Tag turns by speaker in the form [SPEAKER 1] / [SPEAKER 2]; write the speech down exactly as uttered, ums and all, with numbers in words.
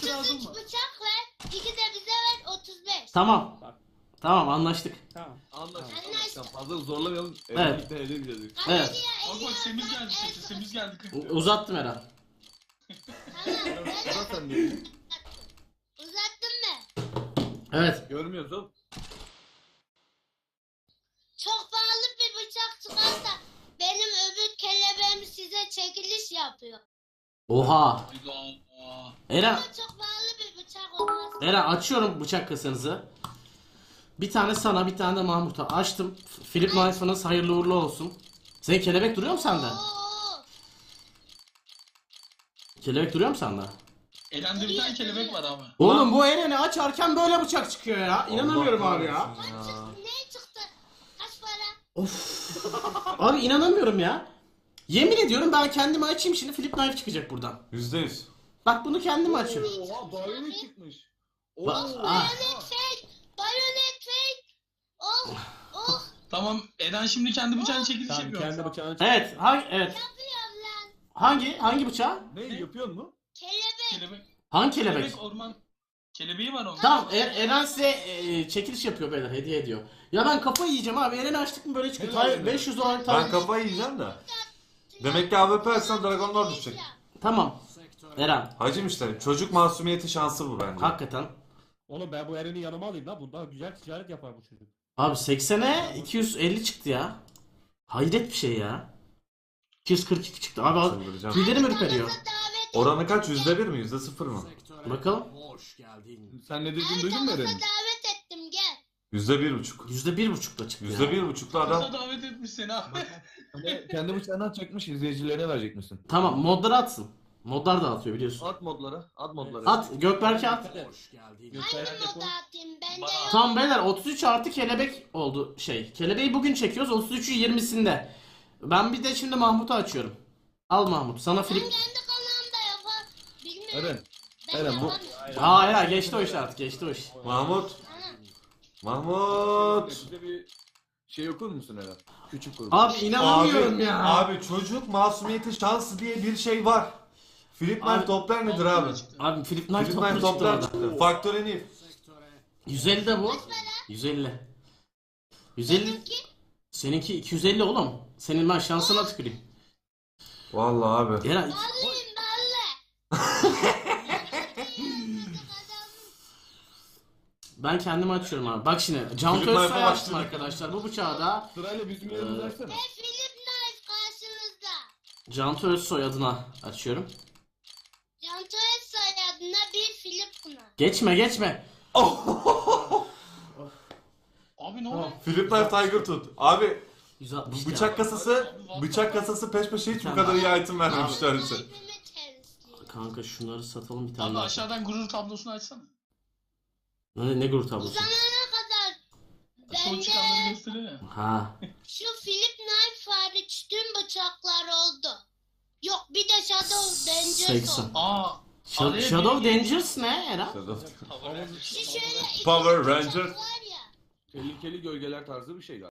[SPEAKER 1] otuz üç bıçak ver. iki de bize ver otuz beş.
[SPEAKER 2] Tamam.
[SPEAKER 3] Bak.
[SPEAKER 2] Tamam anlaştık.
[SPEAKER 3] Tamam.
[SPEAKER 4] Anlaştık.
[SPEAKER 1] Anlaştık.
[SPEAKER 4] Fazla zorlamayalım.
[SPEAKER 2] Evet.
[SPEAKER 4] Evet. Birlikte ele gideceğiz.
[SPEAKER 2] Evet.
[SPEAKER 5] Bak bak Semiz geldi sesi, Semiz geldi.
[SPEAKER 2] U- Uzattım Eren.
[SPEAKER 1] Tamam.
[SPEAKER 4] Sıra sende.
[SPEAKER 1] Uzattın mı?
[SPEAKER 2] Evet.
[SPEAKER 4] Görmüyoruz oğlum.
[SPEAKER 1] Çok pahalı bir bıçak çıkarsa benim öbür kelebeğim size çekiliş yapıyor.
[SPEAKER 2] Oha.
[SPEAKER 5] Hayda.
[SPEAKER 2] Eren,
[SPEAKER 1] Ama çok pahalı bir bıçak olmaz.
[SPEAKER 2] Eren açıyorum bıçak kasanızı. Bir tane sana, bir tane de Mahmut'a. Açtım. F- Philip Knife'ınız hayırlı uğurlu olsun. Senin kelebek duruyor mu sende?
[SPEAKER 1] Oo.
[SPEAKER 2] Kelebek duruyor mu sende?
[SPEAKER 5] Elende bir tane kelebek var abi.
[SPEAKER 2] Oğlum bu Eren'i açarken böyle bıçak çıkıyor ya. İnanamıyorum
[SPEAKER 4] Allah
[SPEAKER 2] abi ya.
[SPEAKER 4] kahretsin
[SPEAKER 1] Kaç çıktı? Ne çıktı? Kaç para?
[SPEAKER 2] Of. Abi inanamıyorum ya. Yemin ediyorum ben kendimi açayım şimdi Philip Knife çıkacak buradan.
[SPEAKER 4] Yüzde yüz.
[SPEAKER 2] Bak bunu kendim açıyorum.
[SPEAKER 4] Oha bayonet çıkmış.
[SPEAKER 2] Bak,
[SPEAKER 4] Oo.
[SPEAKER 2] ah.
[SPEAKER 1] Bayonet fake. Bayonet fake. Oh. Oh.
[SPEAKER 5] Tamam Eren şimdi kendi bıçağını çekiliş
[SPEAKER 3] Tamam
[SPEAKER 5] yapıyor.
[SPEAKER 3] kendi bıçağını çek.
[SPEAKER 2] Evet, hangi evet.
[SPEAKER 1] Yapıyorum lan.
[SPEAKER 2] Hangi hangi bıçağı?
[SPEAKER 4] Ne yapıyor mu?
[SPEAKER 1] Kelebek.
[SPEAKER 5] Kelebek.
[SPEAKER 2] Hangi kelebek?
[SPEAKER 5] Kelebek orman. Kelebeği var onun.
[SPEAKER 2] Tamam, Er- Eren size e, çekiliş yapıyor beyler, hediye ediyor. Ya ben kafayı yiyeceğim abi. Eren'i açtık mı böyle çıkıyor.
[SPEAKER 4] Helal
[SPEAKER 2] Tay-
[SPEAKER 4] olsun.
[SPEAKER 2] beş yüz dolar
[SPEAKER 4] Ben
[SPEAKER 2] tay-
[SPEAKER 4] kafayı yiyeceğim de. Demek ki A W P açsan Dragonlar düşecek.
[SPEAKER 2] Tamam. Eren,
[SPEAKER 4] Hacım işte çocuk masumiyeti şansı bu bence.
[SPEAKER 2] hakikaten.
[SPEAKER 3] Oğlum ben bu Eren'i yanıma alayım lan. Bundan güzel ticaret yapar bu çocuk.
[SPEAKER 2] Abi seksene iki yüz elli çıktı ya. Hayret bir şey ya. iki yüz kırk iki çıktı. Abi al-
[SPEAKER 4] Çıldıracağım.
[SPEAKER 2] tüylerim ürperiyor.
[SPEAKER 1] Davet
[SPEAKER 4] Oranı kaç? Yüzde bir mi? Yüzde sıfır mı?
[SPEAKER 2] Bakalım.
[SPEAKER 4] Sen ne
[SPEAKER 1] Her
[SPEAKER 4] dediğini duydun mu
[SPEAKER 1] tarafa
[SPEAKER 4] Eren'in?
[SPEAKER 1] davet ettim gel.
[SPEAKER 4] Yüzde bir buçuk.
[SPEAKER 2] Yüzde bir buçukla çıktı
[SPEAKER 4] Yüzde
[SPEAKER 2] ya.
[SPEAKER 4] bir buçuklu
[SPEAKER 5] Kısa
[SPEAKER 4] adam.
[SPEAKER 5] davet etmiş seni abi.
[SPEAKER 4] Kendi bıçağını atacakmış, izleyicilerine verecek misin?
[SPEAKER 2] Tamam, modları atsın. Modlar da atıyor biliyorsun.
[SPEAKER 4] At modlara, at modlara.
[SPEAKER 2] At, Gökberk'e at.
[SPEAKER 1] Hangi
[SPEAKER 3] Gösteren de
[SPEAKER 1] moda atayım? Bende
[SPEAKER 5] Bana-
[SPEAKER 1] yok.
[SPEAKER 2] Tamam beyler, otuz üç artı kelebek oldu şey. Kelebeği bugün çekiyoruz, otuz üçü yirmisinde. Ben bir de şimdi Mahmut'u açıyorum. Al Mahmut, sana
[SPEAKER 1] Ben
[SPEAKER 2] Filip...
[SPEAKER 1] kendi kanalımda yapar. Bilmiyorum.
[SPEAKER 4] Eren,
[SPEAKER 1] Ben
[SPEAKER 4] Eren, bu-
[SPEAKER 1] yapamıyorum.
[SPEAKER 2] Aa ya geçti o iş artık, geçti o iş.
[SPEAKER 4] Mahmut,
[SPEAKER 1] Ana.
[SPEAKER 4] Mahmut.
[SPEAKER 6] Bize bir şey okur musun Eren? Küçük grup.
[SPEAKER 2] Abi inanamıyorum
[SPEAKER 4] Abi,
[SPEAKER 2] ya.
[SPEAKER 4] abi çocuk masumiyeti şansı diye bir şey var. Philip
[SPEAKER 2] Abi-
[SPEAKER 4] Knife toplar nedir abi?
[SPEAKER 2] Abi Philip Knife
[SPEAKER 4] Philip
[SPEAKER 2] toplu
[SPEAKER 4] Knife
[SPEAKER 2] çıktı
[SPEAKER 4] toplar
[SPEAKER 2] orada.
[SPEAKER 4] çıktı. Faktör Nif.
[SPEAKER 2] yüz elli de bu. yüz elli. yüz elli.
[SPEAKER 1] Benimki
[SPEAKER 2] Seninki iki yüz elli oğlum. Senin ben şansına tüküreyim.
[SPEAKER 4] Vallahi abi.
[SPEAKER 2] Eren
[SPEAKER 1] ballıyım ballı.
[SPEAKER 2] ben kendimi açıyorum abi. Bak şimdi Can
[SPEAKER 4] Philip
[SPEAKER 2] Özsoy
[SPEAKER 4] Knife'a
[SPEAKER 2] açtım
[SPEAKER 4] başladık.
[SPEAKER 2] arkadaşlar. Bu bıçağı da
[SPEAKER 6] Sırayla bizim yerimizi açsana.
[SPEAKER 1] Ve Philip Knife karşınızda.
[SPEAKER 2] Can Özsoy adına açıyorum.
[SPEAKER 1] Canto soyadına bir Philip Knife.
[SPEAKER 2] Geçme geçme.
[SPEAKER 5] Abi ne oluyor?
[SPEAKER 4] Philip Knife Tiger tut. Abi
[SPEAKER 2] yüz altmış
[SPEAKER 4] bu bıçak kasası, bıçak kasası peş peşe hiç bu kadar iyi item vermemişler bize.
[SPEAKER 1] Knife'imi temizleyeyim.
[SPEAKER 2] Kanka şunları satalım bir tane
[SPEAKER 5] Abi
[SPEAKER 2] daha.
[SPEAKER 5] aşağıdan gurur tablosunu açsana.
[SPEAKER 2] Ne, ne grup
[SPEAKER 1] Bu
[SPEAKER 2] tablosu?
[SPEAKER 1] zamana kadar
[SPEAKER 5] Son
[SPEAKER 1] bende
[SPEAKER 5] çıkanları gösteriyor ya.
[SPEAKER 2] Ha.
[SPEAKER 1] şu Philip Knife hariç tüm bıçaklar oldu. Yok bir de Shadow Dangerous
[SPEAKER 2] seksen.
[SPEAKER 1] oldu.
[SPEAKER 5] Aa.
[SPEAKER 2] Sh-
[SPEAKER 5] araya
[SPEAKER 2] Shadow
[SPEAKER 5] bir-
[SPEAKER 2] Dangerous ne Eren?
[SPEAKER 1] Şu şöyle iki
[SPEAKER 4] Power
[SPEAKER 1] bıçak
[SPEAKER 4] Ranger.
[SPEAKER 1] var ya.
[SPEAKER 6] Tehlikeli gölgeler tarzı bir şey galiba.